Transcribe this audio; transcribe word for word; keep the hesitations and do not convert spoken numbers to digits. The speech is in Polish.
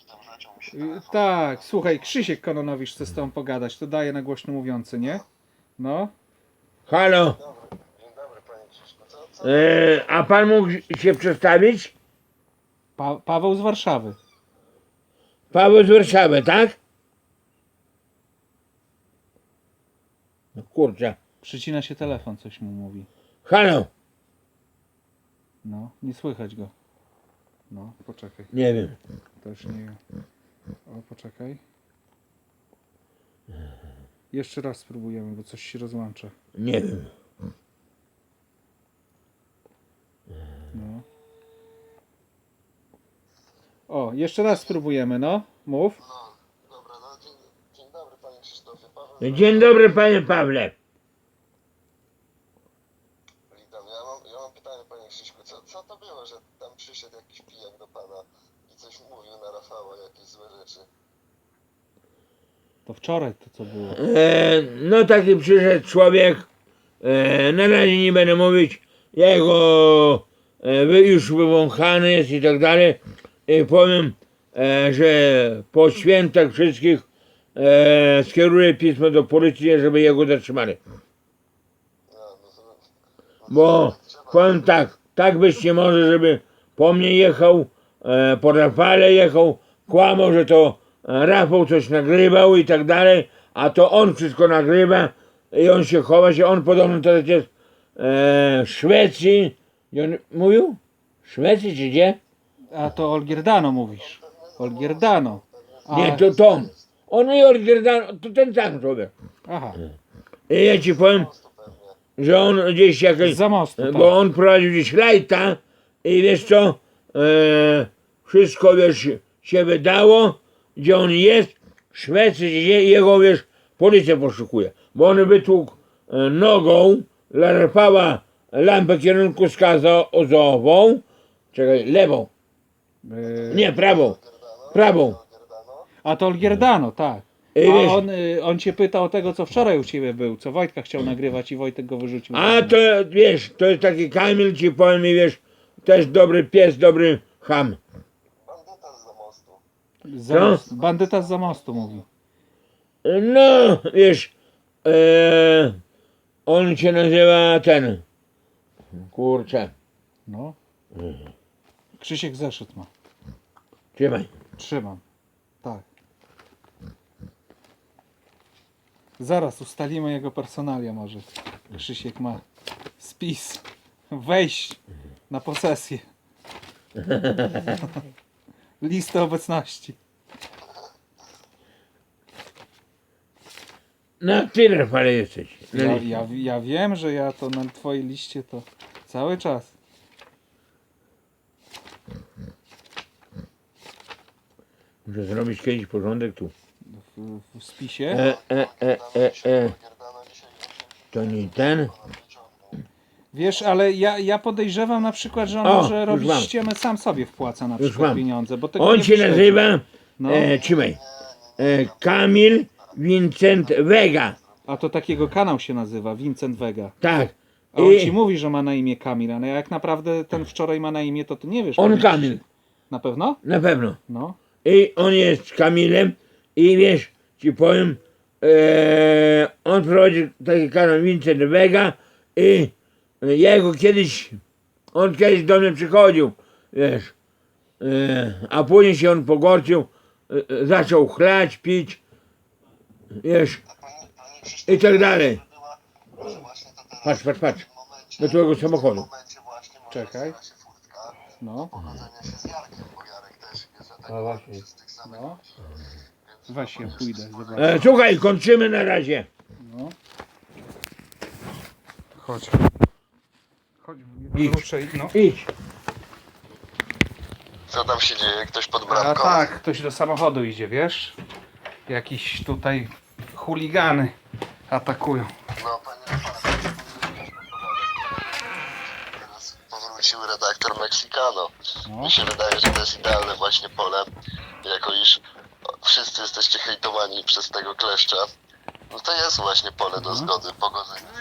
Y, Tak, słuchaj, Krzysiek Kononowicz chce z tobą pogadać, to daje na głośno mówiący, nie? No. Halo, Dzień dobry, panie Krzyszku. Co, co? e, a pan mógł się przedstawić? Pa Paweł z Warszawy. Paweł z Warszawy, tak? No kurczę. Przycina się telefon, coś mu mówi. Halo, No, nie słychać go. No, poczekaj, nie wiem. też nie wiem. O, poczekaj. Jeszcze raz spróbujemy, bo coś się rozłącza. Nie wiem. No. O, jeszcze raz spróbujemy, no. Mów. No, dobra, no dzień, dzień dobry, panie Krzysztofie. Paweł, Dzień dobry, panie Pawle. witam. Ja mam, ja mam pytanie, panie Krzyszku. Co, co to było, że tam przyszedł jakiś pijak do pana i coś mówił na Rafała, jakieś złe rzeczy? To wczoraj to co było. E, no taki przyszedł człowiek. E, na razie nie będę mówić. Jego e, wy- już wywąchany jest i tak dalej. I powiem, e, że po świętach wszystkich e, skieruję pismo do policji, żeby jego zatrzymali. No, no, to, no, Bo to trzeba- powiem tak, tak być nie może, żeby po mnie jechał, e, po Rafale jechał, kłamał, że to e, Rafał coś nagrywał i tak dalej, a to on wszystko nagrywa i on się chowa się, on podobno teraz jest e, w Szwecji. I on mówił? W Szwecji czy gdzie? A to Olgierdano mówisz. Olgierdano. A, Nie, to Tom. On i Olgierdano, to ten sam człowiek. Aha, I ja ci powiem, że on gdzieś jakaś... za mostu. Tak. Bo on prowadził gdzieś lajta i wiesz co, e, wszystko wiesz się wydało, gdzie on jest, w Szwecji, gdzie jego wiesz, policja poszukuje. Bo on wytłukł e, nogą dla Rafała lampę kierunkowskazową, czekaj, lewą, Yy, nie, prawą, prawą. Gerdano? A to Olgierdano, tak. I A wiesz, on, y, on cię pytał o tego, co wczoraj u ciebie był, co Wojtka chciał nagrywać i Wojtek go wyrzucił. a to wiesz, to jest taki Kamil, ci powiem i wiesz, też dobry pies, dobry ham. Bandyta z mostu. Za Co? mostu. Bandyta z za mostu mówi. No, wiesz, e, on się nazywa ten, kurczę, No. Krzysiek zeszyt ma. trzymaj. Trzymam. Tak. Zaraz ustalimy jego personalia może. Krzysiek ma spis. Wejść na posesję. Listę obecności. Na tyle Rafale jesteś. Na Ja, liście. ja, ja wiem, że ja to na twojej liście to cały czas. Muszę zrobić kiedyś porządek tu. W, w spisie. E, e, e, e, e. Gerdano dzisiaj właśnie To nie ten. pana wyciągnął. Wiesz, ale ja, ja podejrzewam na przykład, że on O, może już robić mam. ściemę, sam sobie wpłaca na Już przykład mam. pieniądze. Bo tego On nie się wyśledzi. nazywa, No. e, trzymaj, e, Kamil Vincent Vega. A to takiego kanał się nazywa, Vincent Vega. Tak. A on ci I mówi, że ma na imię Kamil, ale jak naprawdę ten wczoraj ma na imię, to ty nie wiesz. on powiedz. Kamil, Na pewno? na pewno. No. I on jest Kamilem i wiesz, ci powiem, e, on prowadzi taki kanał Vincent Vega i ja go kiedyś, on kiedyś do mnie przychodził, wiesz, e, a później się on pogorczył, e, e, zaczął chlać, pić, wiesz, Panie, panie Krzysztofie, i tak dalej. była, że właśnie to teraz Patrz, patrz, patrz, w tym momencie, do twojego w tym samochodu. momencie właśnie może Czekaj. otwiera się furtka No. pogodzenia się z Jarkiem, bo Jarek też jest A atakowany właśnie. przez tych samych No. ludzi. Więc Weź ja pójdę, zobacz. E, słuchaj, kończymy na razie. No. Chodź. Chodź, Idź. ruszaj, no. Idź. Co tam się dzieje? Ktoś pod A bramką? tak, ktoś do samochodu idzie, wiesz? Jakiś tutaj chuligany atakują. No, panie Rafale, teraz powrócił redaktor Mexicano. No. Mi się wydaje, że to jest idealne właśnie pole, jako iż wszyscy jesteście hejtowani przez tego kleszcza. No to jest właśnie pole do Mhm. zgody, pogodzenia